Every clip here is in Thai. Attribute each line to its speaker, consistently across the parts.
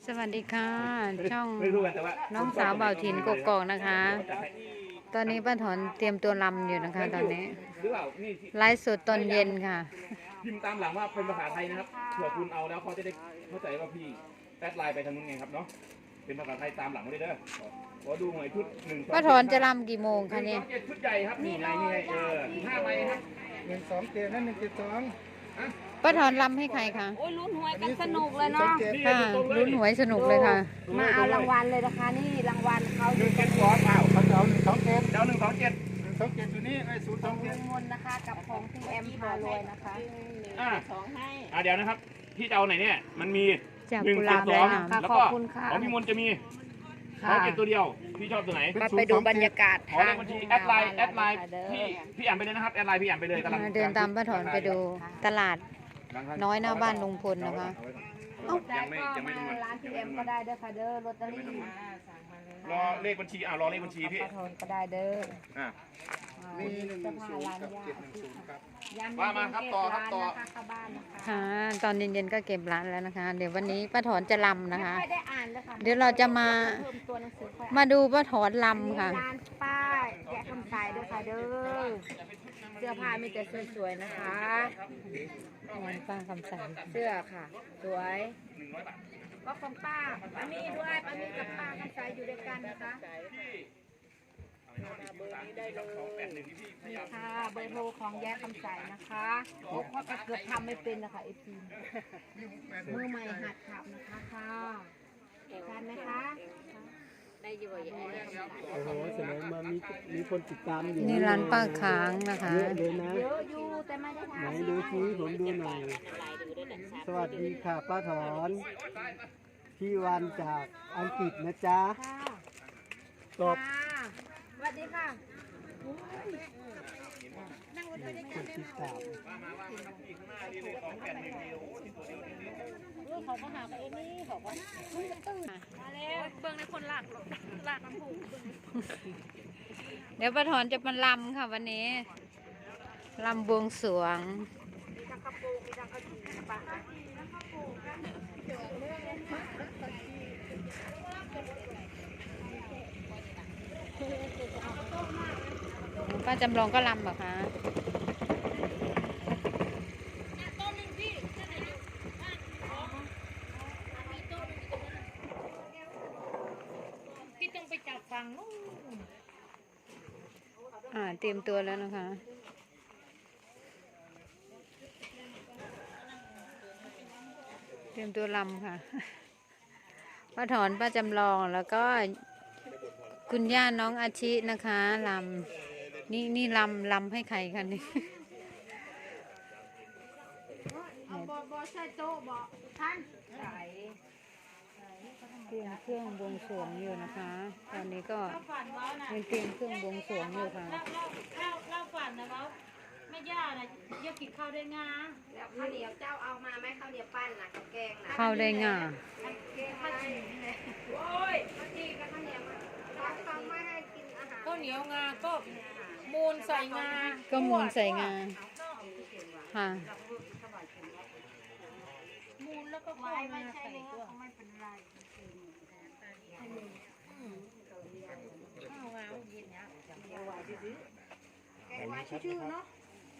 Speaker 1: สวัสดีค่ะช่อง
Speaker 2: ไม่รู้กันแต่ว่า
Speaker 1: น้องสาวเบาถิ่นกกอกนะคะ ตอนนี้ป้าถอนเตรียมตัวรำอยู่นะคะ ตอนนี้
Speaker 2: หรือเปล่านี่
Speaker 1: ไลฟ์สดตอนเย็นค่ะ
Speaker 2: พิมพ์ตามหลังว่าเป็นภาษาไทยนะครับเผื่อคุณเอาแล้วเขาจะได้เข้าใจว่าพี่แอดไลน์ไปทางนู้นไงครับเนาะเป็นภาษาไทยตามหลังมาได้เด้อขอดูหน่อยชุดหนึ่ง
Speaker 1: ป้าถอนจะรำกี่โมงคะเนี่ย
Speaker 2: 127ชุดใหญ่ครับนี่ไง15 ใบครับ
Speaker 3: 127นั่น172
Speaker 1: ป้าถอนรำให้ใครคะ
Speaker 4: โอ้ยลุ้นหวยกันสนุกเลยเนาะ
Speaker 1: ค่ะลุ้นหวยสนุกเลยค่ะ
Speaker 4: มาเอารางวัลเลยนะคะนี่รางวัลเขาอยู่ตรง
Speaker 2: 172อ้าว
Speaker 3: เขาจะเอา127
Speaker 2: เดี๋ยว127
Speaker 3: 127อยู่นี่ไอ้
Speaker 4: ของ
Speaker 3: 027
Speaker 4: ลุงมนนะคะกับของพี่แอมพารวยนะคะ
Speaker 2: อ่า
Speaker 4: สองให้
Speaker 2: เดี๋ยวนะครับที่จะเอาไหนเนี่ยมันมี
Speaker 1: จาก
Speaker 2: 1
Speaker 1: กุหลาบ
Speaker 2: 7
Speaker 1: แดง
Speaker 2: 2แล้ว
Speaker 4: ข
Speaker 2: ก็
Speaker 4: อบคุณค่ะ
Speaker 2: ของพี่มนต์จะมี
Speaker 4: ค่ะ
Speaker 2: 2 7ตัวเดียวพี่ชอบตัวไหน
Speaker 4: ไปดูบรรยากาศ
Speaker 2: ขอเลขบัญชีแอดไลน์พี่แอมไปเลยนะครับแอดไลน์พี่แอมไปเลยกำลัง
Speaker 1: เดินตามป้าถอนไปดูตลาดน้อยหน้าบ้านลุงพลนะคะ
Speaker 4: ได้ก็มาร้านพี่แอมก็ได้เด้อค่ะเด้อลอตเตอรี่
Speaker 2: รอเลขบัญชีรอเลขบัญชีพี่
Speaker 4: ปลาทอนก็ได้เด้อ
Speaker 2: อ่ะ
Speaker 3: มี
Speaker 4: เสื้อผ้าร้าน
Speaker 3: 110กับ
Speaker 4: ยา
Speaker 3: 710ครับ
Speaker 2: ว่ามาครับต่อครับต่อ
Speaker 4: ร้านนะคะเข้าบ้านนะคะ
Speaker 1: ค่ะ ตอนเย็นๆก็เก็บร้านแล้วนะคะ เดี๋ยววันนี้ป้าถอนจะรำนะคะ
Speaker 4: ไม่ได้อ่านเลยค่ะ
Speaker 1: เดี๋ยวเราจะมา
Speaker 4: เพิ่มตัวหนังสือค่อย
Speaker 1: มาดูป้าถอน
Speaker 4: อ่าน
Speaker 1: รำค่ะ
Speaker 4: ร้านป้ายแกะคำใส่เด้อค่ะเด้อเสื้อผ้ามีแต่สวยๆนะคะ
Speaker 1: ป้าคำใส
Speaker 4: เสื้อค่ะ สวยก็ของป้ามีด้วยป้ามีกับป้าคำใสอยู่ด้วยกันนะคะนี่ค่ะเบอร์โทรของแย้คำใสนะคะโอ้ข้อก็เกือบทำไม่เป็นนะคะไอพีมือใหม่หัดขับนะคะค่ะทันไหมคะได้อยู่บ่อย
Speaker 3: โอ้โหแสดงมามีคนติดตามอยู่
Speaker 1: นี่ร้านป้าค้างนะคะ
Speaker 3: เยอะเลยนะ
Speaker 4: เยอะอยู่แต่ไม่ได้
Speaker 3: ไหน
Speaker 4: ทำ
Speaker 3: ดูซิผมดูหน่อย สวัสดีค่ะป้าถอนพี่วันจากอังกฤษนะจ๊ะ
Speaker 4: ค่ะ
Speaker 3: ตอบ
Speaker 4: ค่ะสวัสดีค่ะ
Speaker 3: คนติดตาม
Speaker 4: เขาก็หาไปเองนี่เขาก็มาแล้วเบิ่งในคนหลักน้ำผู
Speaker 1: เดี๋ยวป้าถอนจะมาลำค่ะวันนี้ลำบวงสรวง ป้าจำลองก็ลำเหรอคะ
Speaker 4: พี่ต้องไปจับฟังนู่น
Speaker 1: เตรียมตัวแล้วนะคะ เตรียมตัวลำค่ะ ป้าถอนป้าจำลองแล้วก็คุณย่าน้องอาชินะคะลำนี่ลำให้ใครคะนี่
Speaker 4: เอาบอใส่โต๊ะบอท่านใส่
Speaker 1: เตรียมเครื่องบวงสรวงอยู่นะคะ ตอนนี้ก็
Speaker 4: ฝันว่าน่ะ
Speaker 1: เตรียมเครื่องบวงสรวงอยู่ค่ะ
Speaker 4: เล่าฝันนะว่าไม่ย่าน่ะเยอะกินข้าวได้งา
Speaker 5: แล้วข้าวเหนียวเจ้าเอามาไหมข้าวเหนียวปั้นนะข้าวแกงนะ
Speaker 1: เข้าได้ง่า
Speaker 5: แกงมาโอ้ยข้าวจีกับข้าวเหนียวมาร้านเขาไม่ให้กินอาหาร
Speaker 4: ข้าวเหนียวงาก็มูลใส่งา
Speaker 1: ก็มูลใส่งาค่ะ
Speaker 4: มูลแล้วก็ข้าวงาใส่ตัวไม่เป็นไรข้าวงาเย็นเนี้ย
Speaker 5: แกงไว้ชื่อๆเนาะ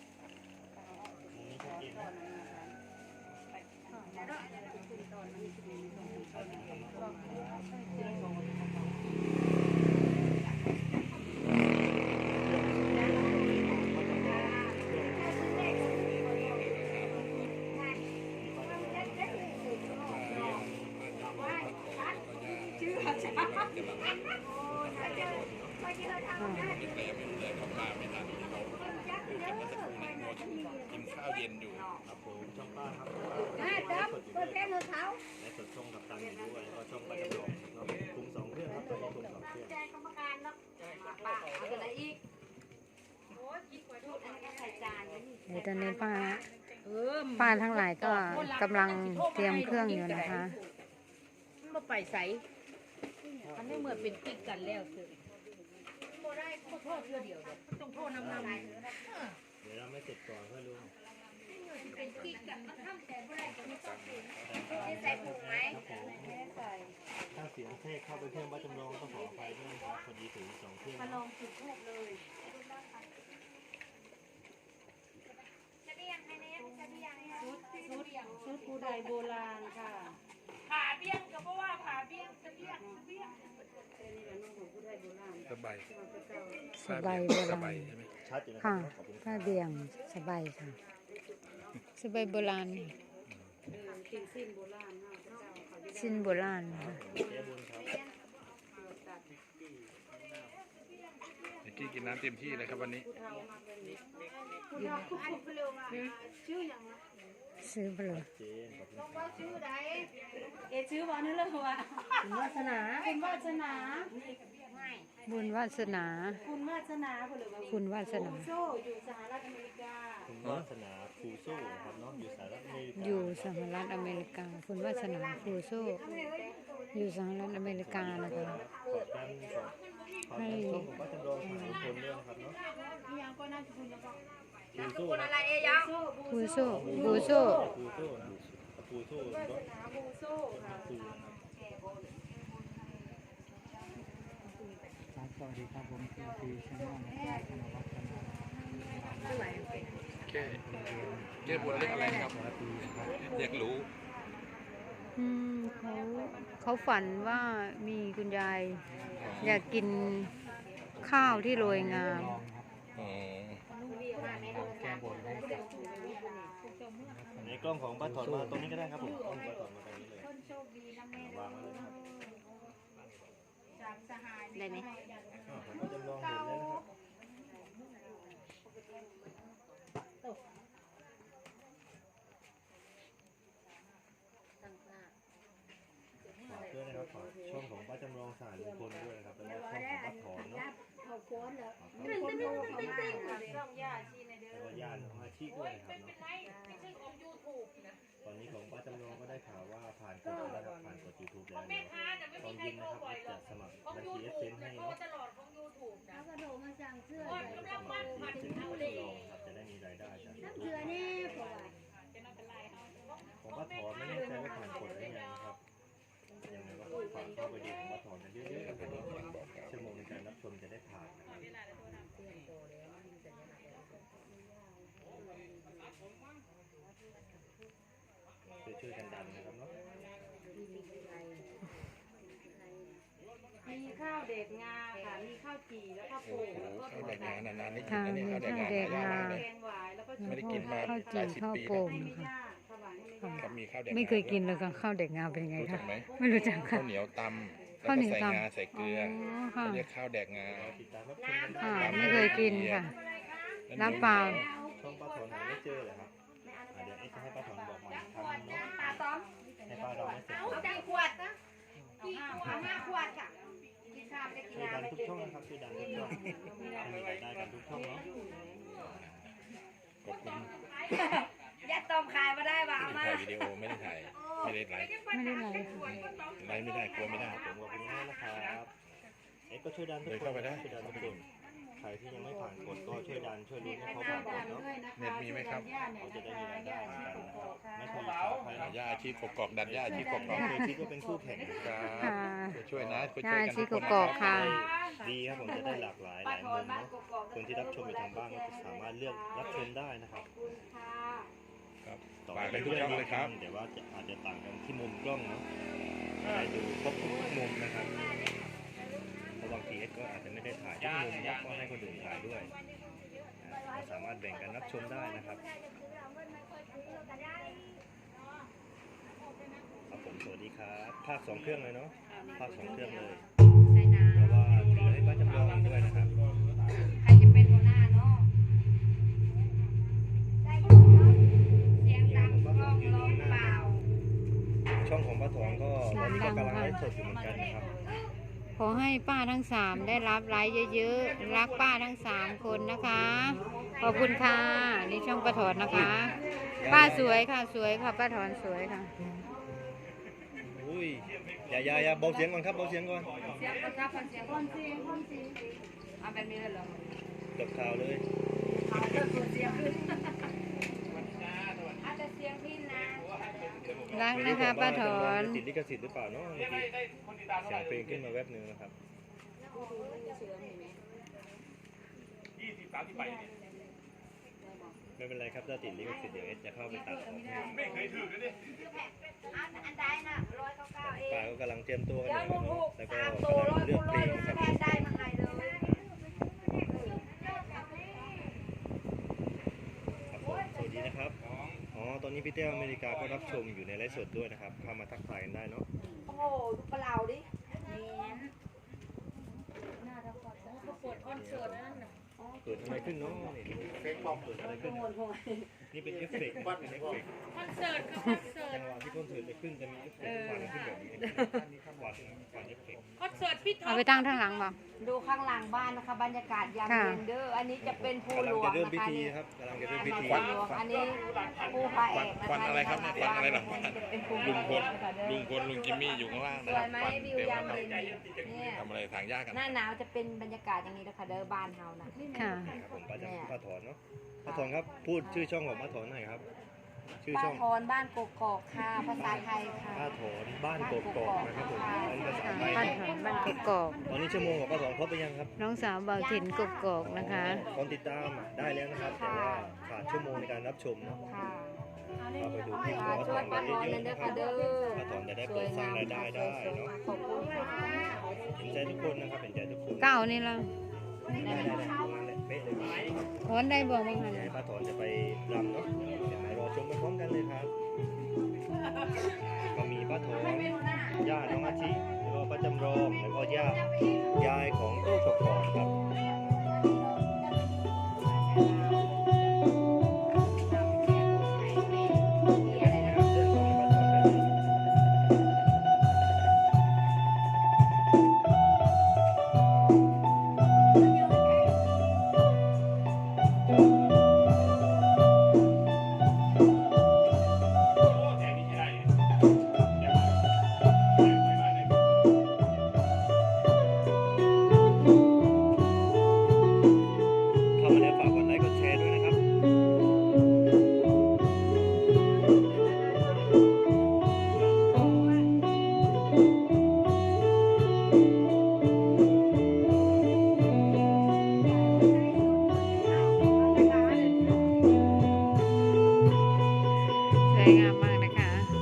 Speaker 6: กินข้าวเย็นอยู่ครับผมช่องป้าครับ
Speaker 5: จับเปิดแกงเถอะเขา
Speaker 6: และสดช่องกับตังอยู่ด้วยแล้วก็ช่องป้าจำลองเนาะคุมสองเครื่องครับตอนนี้คุมสองเครื่อง
Speaker 5: แจกกรรมการเนาะป้าเอาอะไรอีกโอ้ยกินกว่าชุดอันนี้ก็ใส่จานนี่
Speaker 1: เดี๋ยวตอนนี้ป้าทั้งหลายก็กำลังเตรียมเครื่องอยู่นะคะ
Speaker 4: มันมาไปใสมันไม่เหมือนเป็นกิ๊กกันแล้วคือโทษเพื่อเดียวต้องโทษน้ำ
Speaker 6: เดี๋ยวเราไม่เสร็จก่อนเพื่อลุง
Speaker 5: เป็นกิ๊กกันมันทำแต่บ่ได้ก็ไม่ต้องกินนี่ใส่ผงไหมไม่ได้ใส่
Speaker 6: เสียงแทรกเข้าไปเครื่องป้าจำลองก็ขออภัยด้วยนะครับพอดีถึง2เครื่อง
Speaker 4: มาลองจุดทูบเลย ชุดผู้ใดโบราณค่ะ
Speaker 5: ผ่าเบี้ยงก็เพราะว่าผ่าเบี้ยงจะเบี้ยงจะเบี้ยง
Speaker 7: สบาย
Speaker 1: สบายโบราณ
Speaker 6: ชัดอยู่นะครั
Speaker 1: ค่ะ
Speaker 6: ขอบคุณค
Speaker 1: ผ้า
Speaker 6: รับ
Speaker 1: เบี่ยงสบายค่ะ สบายโบราณสิ้นโบราณค่ะ
Speaker 6: แก้บนครับ
Speaker 7: เมื่อกี้กินน้ำเต็มที่เลยครับวันนี้
Speaker 1: ซื้อไปเลย
Speaker 6: เจนขอบคุณครับ
Speaker 4: ชื่อว่านั่นเลยว่าคุณวาสนาคุณวาสนา
Speaker 1: บุญวาสนา
Speaker 4: คุณวาสนาคุณหรือว่า
Speaker 1: คุณวาสนา
Speaker 4: โซ่อยู่สหรัฐอเมริกา
Speaker 6: คุณวาสนาฟูโซ่นะครับเนาะอยู่สหรัฐอเมริกา
Speaker 1: อยู่สหรัฐอเมริกา คุณวาสนาครูโซ่อยู่สหรัฐอเมริกานะคะ
Speaker 6: ขอบกันขอบกันช่องของป้าจำลองถ่ายคนด้วยนะครับเนาะ
Speaker 4: พี่ยังก็น่าจะคุณแล้วก็
Speaker 6: ฟูโซ่
Speaker 5: คุณ
Speaker 6: นะ
Speaker 5: อะไรเอ้ยัง
Speaker 1: ครูโซ่ครูโซ่
Speaker 6: ฟูโซ่นะฟูโซ่เนาะ
Speaker 4: บูโซ่ค่ะ
Speaker 6: ฟูนะครับ
Speaker 3: สวัสดีครับผมคือทีชแนลนะครับธนวัฒน์ธนา
Speaker 7: แก้บนเรื่องอะไรครับอยากรู้
Speaker 1: เขาฝันว่ามีคุณยายอยากกินข้าวที่โรยงาม
Speaker 7: อ๋อ
Speaker 3: แก้บนให้กับ
Speaker 6: ในกล้องของป้าถอนมาตรงนี้ก็ได้ครับผมกล้องป้าถอนมาตรงนี้เลย
Speaker 4: โชคดีนะแม่
Speaker 6: วางไว้เลยครับ
Speaker 4: จากสหาย
Speaker 1: ได้ไหม
Speaker 6: ผมก็จำลองเห็นแล้วนะครับฝากด้วยนะครับฝากช่องของป้าจำลองสารลุงพลด้วยนะครับแล้วก็ช่องของป้าถอนเนาะ
Speaker 4: เขาโพสแล้ว
Speaker 6: แล้ว
Speaker 4: มันจะดูเขามากค่ะ
Speaker 5: ช่องย่าชีในเด้อ
Speaker 6: ก็ญาติของอาชีพด้วยนะครับเนาะ
Speaker 5: ไม่ใช่ของยูทูบนะ
Speaker 6: ตอนนี้ของป้าจำลองก็ได้ข่าวว่าผ่านกฎแล้วนะครับผ่านกฎ YouTube แล้ว
Speaker 5: แม่
Speaker 6: เนาะ
Speaker 5: ค้าแต่ไม่
Speaker 6: ตอ
Speaker 5: มี
Speaker 6: น
Speaker 5: ใคร
Speaker 6: เย็น
Speaker 5: โทร
Speaker 6: นะครับ
Speaker 5: บ่อยหร
Speaker 6: จะ
Speaker 5: อก
Speaker 6: สมัคร
Speaker 5: ของ
Speaker 6: บัญ
Speaker 5: ยู
Speaker 6: ชี
Speaker 5: ทู
Speaker 6: เอบ สเซนให้เนาะ
Speaker 5: จะโทรตลอดของยูทูบนะ
Speaker 4: แล้วก็โทรมาสั่งเสื้อ
Speaker 5: คนกำลังมันผัด
Speaker 6: เป็น
Speaker 5: เอา
Speaker 6: ผู้
Speaker 5: เล
Speaker 6: ท
Speaker 5: ย
Speaker 6: ดลองครับจะได้มีรายได้จาก
Speaker 4: น้ำ
Speaker 6: YouTube
Speaker 4: เสือนี่เพราะว่า
Speaker 6: ของป้าถอนไม่แน่ใจว่าผ่านกฎหรือยังนะครับยังไงก็ฝากเข้าไปดูของป้าถอนกันเยอะๆนะครับชั่วโมงในการรับชมจะได้ผ่านนะครับช่วยๆกันดันนะครับเนาะ
Speaker 4: มีข้าวเด็กงาค่ะมีข้าวจี่แล้วก็โป่งแล้วก็
Speaker 7: ข้าวแดกงานานๆนี่กิน
Speaker 1: ค่ะ
Speaker 7: นะเนี่ย
Speaker 1: มี
Speaker 7: ข้าวแดก
Speaker 1: ข้าว
Speaker 7: งาน
Speaker 1: แดก
Speaker 7: หายาก
Speaker 1: งา
Speaker 7: มากเลย
Speaker 4: แกงหวายแล้วก็
Speaker 7: ไม่ได้กินมา
Speaker 1: ข้าว
Speaker 7: หลา
Speaker 1: จี่
Speaker 7: ยสิบ
Speaker 1: ข้าว
Speaker 7: ปี
Speaker 1: โป่ง
Speaker 4: ให้ไม่
Speaker 1: ค่ะ
Speaker 4: ยากถวายให้ไม่ยาก
Speaker 7: ครับมีข้าวแดก
Speaker 1: ไม่เคยกินเลยค่ะข้าวเด็กงาเป็นไง
Speaker 7: รู้จั
Speaker 1: คะ
Speaker 7: กไหม
Speaker 1: ไม่รู้จักค่ะ
Speaker 7: ข้าวเหนียวตำแล้ว
Speaker 1: ข้าวเห
Speaker 7: ก็
Speaker 1: นียว
Speaker 7: ใส่
Speaker 1: ตำ
Speaker 7: งาใส่เกลือ
Speaker 1: ค่ะ
Speaker 7: เขาเรียกข้าวแดกงา
Speaker 6: ติดตามรับชมกันได้
Speaker 1: ค่ะไม่เคยกินค่ะน้ำเปล่า
Speaker 6: ช่องป้าถอนหาไม่เจอเลยครับเดี๋ยวจะให้ป้าถอนบอกมาอีกครั้งนึงเนาะ
Speaker 5: ตาต้อม
Speaker 6: ให้ป้าเราไม่เสร็จ
Speaker 5: เอาใจขวดนะกี่ขวด5 ขวดค่ะกินข้าวได้กิน
Speaker 6: ช่วยดั
Speaker 5: น้ำ
Speaker 6: น
Speaker 5: ไม่
Speaker 6: ทุก
Speaker 5: เป็น
Speaker 6: ช่องนะครับช่วยดันทุกช่องให้มีรายได้กันทุกช่องเนาะ
Speaker 7: ขอบคุณ
Speaker 5: ยัดต้มขายมาได้บ่าวมา
Speaker 7: ถ่ายวิดีโอไม่ได้ถ่ายไม่ได้ไลฟ์
Speaker 1: ไม่ได้ไลฟ์
Speaker 7: ไลฟ์ไม่ได้กลัวไม่ได้
Speaker 6: ผมขอบคุณมากนะครับก็ช่วยดันทุก
Speaker 7: เดิน
Speaker 6: คน
Speaker 7: เข้าไปได้
Speaker 6: ช่วยดันทุกคนใครที่ยังไม่ผ่านกฎก็ช่วยดันช่วยลุ้นให้เขาผ่านกฎเนาะ
Speaker 7: เน็ตมีไหมครับ
Speaker 6: เขาจะได้มีรายได้เหมือนกันนะครับไม่เคยขอใครนะ
Speaker 7: ย่าอาชีพกกอกดันย่าอาชีพกกอก
Speaker 6: เคยคิดว่าเป็นคู่แข่ง
Speaker 7: ครับ
Speaker 1: ค่ะ
Speaker 7: ช่วยนะช่วย
Speaker 1: ย่า
Speaker 7: กัน
Speaker 1: ชี
Speaker 7: ทุก
Speaker 1: ก
Speaker 7: คน
Speaker 1: กอกค่ะ
Speaker 6: ดีครับผมจะได้หลากหลายหลายมุมเนาะคนที่รับชมอยู่ทางบ้านก็สามารถเลือกรับชมได้นะครับ
Speaker 7: ครับ
Speaker 6: ต่อ
Speaker 7: ฝาก
Speaker 6: ไป
Speaker 7: ไปทุกช่องเลยครับ
Speaker 6: แต่ว่าอาจจะต่างกันที่มุมกล้องเนาะให้ดูครบทุกมุมนะครับเพราะบางทีเอสก็อาจจะไม่ได้ถ่ายทุกมุมเนาะก็ให้คนอื่นถ่ายด้วยเราสามารถแบ่งกันรับชมได้นะครับครับผมสวัสดีครับภาค2 เครื่องเลยเนาะภาค2 เครื่องเลยเพราะว่าเหลือให้ป้าจำลองอีกด้วยนะครับ
Speaker 5: ใครจะเป็นหัวหน้าเนาะเสียงดังกล้องร้องเปล่า
Speaker 6: ช่องของป้าถอนก็ตอนนี้ก็กำลังไลฟ์สดอยู่เหมือนกันนะครับ
Speaker 1: ขอให้ป้าทั้งสามได้รับไลค์เยอะๆรักป้าทั้งสามคนนะคะ ขอบคุณค่ะนี่ช่องป้าถอนนะคะ ป้าสวยค่ะสวยค่ะป้าถอนสวยค่ะ
Speaker 6: อุ้ยอย่าเบาเสียงก่อนครับเบาเสียงก่อน
Speaker 5: เสียงคนครับเสียงคนเสียงคนเสียงเอาแบบนี้เลยเหรอ
Speaker 6: จบข่าวเลย
Speaker 5: เอาเริ่มเปิดเสียงขึ้นอาจจะเสีสียงพินนะ
Speaker 1: รักนะคะป้าถอน
Speaker 6: ติดลิขสิทธิ์หรือเปล่าเนาะเมื่อกี้
Speaker 2: ได้คนติดตามเท่า
Speaker 6: เสี
Speaker 2: ไห
Speaker 6: ย
Speaker 2: ร่
Speaker 6: งเพลงขึ้นมาแวบหนึงนะครับ
Speaker 2: 20-30 ใบเนี่ย
Speaker 6: ไม่เป็นไรครับถ้าติดลิขสิทธิ์เดี๋ยวเอสจะเข้าไปตัดออกให้
Speaker 2: ไม่เคยถือเลยดิ
Speaker 5: อันใดน่ะ199เอง
Speaker 6: ป้าก็กำลังเตรียมตัวกัน
Speaker 5: เดี๋
Speaker 6: อ
Speaker 5: ยว
Speaker 6: ยู่
Speaker 5: ลูก
Speaker 6: นะครับ
Speaker 5: ถูก
Speaker 6: แล้วก็
Speaker 5: 3ตัว
Speaker 6: กำลังเลือกเพลง
Speaker 5: ลูก
Speaker 6: นะครับ
Speaker 5: แทนได้มาให้เลย
Speaker 6: ครับผมสวัสดีนะครับอ๋อตอนนี้พี่เต้อเมริกาก็รับชมอยู่ในไลฟ์สดด้วยนะครับเข้ามาทักทายกันได้เนาะ
Speaker 5: โอ้โหดูปลาเหลาดิ
Speaker 6: เกิดอะไรขึ้นเนาะนี่ดูเกิดอะไรขึ้นนี่เป็นเอฟเฟกต์นะเป็นเอฟเฟกต์
Speaker 4: คอนเสิร์ตค่ะคอนเสิร์ต
Speaker 6: จังหวะที่คอนเสิร์ตจะขึ้นจะมีเอฟเฟกต์ควันขึ้นแบบนี้ควันเอฟเฟกต์
Speaker 4: คอนเสิร์ตพี่ท็อ
Speaker 1: เอา
Speaker 4: ป
Speaker 1: ไปตั้งข้างหลังบ่
Speaker 5: ดูข้างหลังบ้านนะคะบรรยากาศยาม
Speaker 1: ค่ะ
Speaker 5: เย็นเด้ออันนี้จะเป็นภู
Speaker 6: กำ
Speaker 5: ห
Speaker 6: ลั
Speaker 5: ล
Speaker 6: ง
Speaker 5: วง
Speaker 6: จะเริ่ม
Speaker 5: นะ
Speaker 6: พิ
Speaker 5: คะ
Speaker 6: ธี
Speaker 5: นี่
Speaker 6: ครับกำลังจะเริ่มพิธี
Speaker 5: ภูหลวงอันนี้ภูพระเอกนะคะ
Speaker 7: ควันอะไรครับเนี่ยควันอะไรหลังบ้าน
Speaker 5: เป็นภู
Speaker 7: ลุงพล
Speaker 5: นะคะเด้อ
Speaker 7: ลุงพลลุงจิมมี่อยู่ข้างล่าง
Speaker 5: ส
Speaker 7: นะ
Speaker 5: ว
Speaker 7: ครั
Speaker 5: ย
Speaker 7: บ
Speaker 5: ไหม
Speaker 7: ควัน
Speaker 5: วิว
Speaker 7: เต็ม
Speaker 5: ยาม
Speaker 7: แล้ว
Speaker 5: เย็นเนี่ย
Speaker 7: ทำอะไรทางยากกัน
Speaker 5: หน้าหนาวจะเป็นบรรยากาศอย่างนี้นะคะเด้อบ้านเฮานะ
Speaker 1: ค่ะ
Speaker 6: ครับผมป้าจะป้าถอนเนาะป้าถอนครับพูดชื่อช่องของป้าถอนหน่อยครับ ชื่อ
Speaker 5: ป้า
Speaker 6: ช่อง
Speaker 5: ทอนบ้านกกอกค่ะภาษาไทยค่ะ
Speaker 6: ป้าถอนบ้านกกอกนะครับผมอันนี้ภาษา
Speaker 1: ค่ะ
Speaker 6: ไทย
Speaker 1: ป้าถอนบ้านกกอก
Speaker 6: ตอนนี้ชั่วโมงของป้าถอนครบไปยังครับ
Speaker 1: น้องสาวเบาถิ่นกกอกนะคะ
Speaker 6: คนติดตามได้แล้วนะครับ แต่ว่าขาดชั่วโมงในการรับชมเนาะ
Speaker 5: ค่ะ
Speaker 6: ก็ไปดูคลิปข
Speaker 5: ค่ะ
Speaker 6: องป้าถ
Speaker 5: ช่
Speaker 6: อ
Speaker 5: วย
Speaker 6: น
Speaker 5: ป้า
Speaker 6: กัน
Speaker 5: ทอน
Speaker 6: เย
Speaker 5: นั่
Speaker 6: อะ
Speaker 5: น
Speaker 6: ๆ
Speaker 5: เด้
Speaker 6: นะ
Speaker 5: อ
Speaker 6: ครั
Speaker 5: ค่ะ
Speaker 6: บ
Speaker 5: เด้อ
Speaker 6: ป้าถอนจะได้
Speaker 5: ส
Speaker 6: เปิ
Speaker 5: วย
Speaker 6: ดสร้าง
Speaker 5: งาม
Speaker 6: รายได้ได้เนาะ
Speaker 5: ขอบคุณค่ะ
Speaker 6: เห็นใจทุกคนนะครับเห็นใจทุกคน
Speaker 1: เก้านี่ละ
Speaker 6: ได้ตรงนั้นแหละเป๊ะเลย
Speaker 1: ถอนได้บอกบ้างคะ
Speaker 6: เดี๋ยวให้ป้าถอนจะไปรำเนาะเดี๋ยวมารอชมไปพร้อมกันเลยครับ ก็มีป้าถอนย่าน้องอาทิแล้วก็ป้าจำลองแล้วก็ยายของโต้กกอกครับ
Speaker 2: แจกนี่ใช้ได้เลย
Speaker 6: เข้ามาแล้วฝากกดไลค์กดแชร์ด้วยนะครับ
Speaker 1: สวยงามมากนะคะ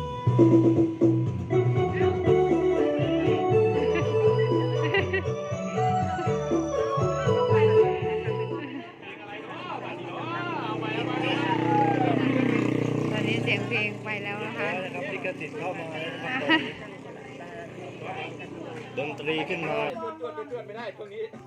Speaker 1: ตอนนี้เสียงเพลงไปแล้วนะคะ
Speaker 6: แล้วนะครับลิขสิทธิ์เข้ามาแล้วนะครับตอนนี้ดนตรีขึ้นมา
Speaker 2: ตรวจไม่ได้ตรงนี้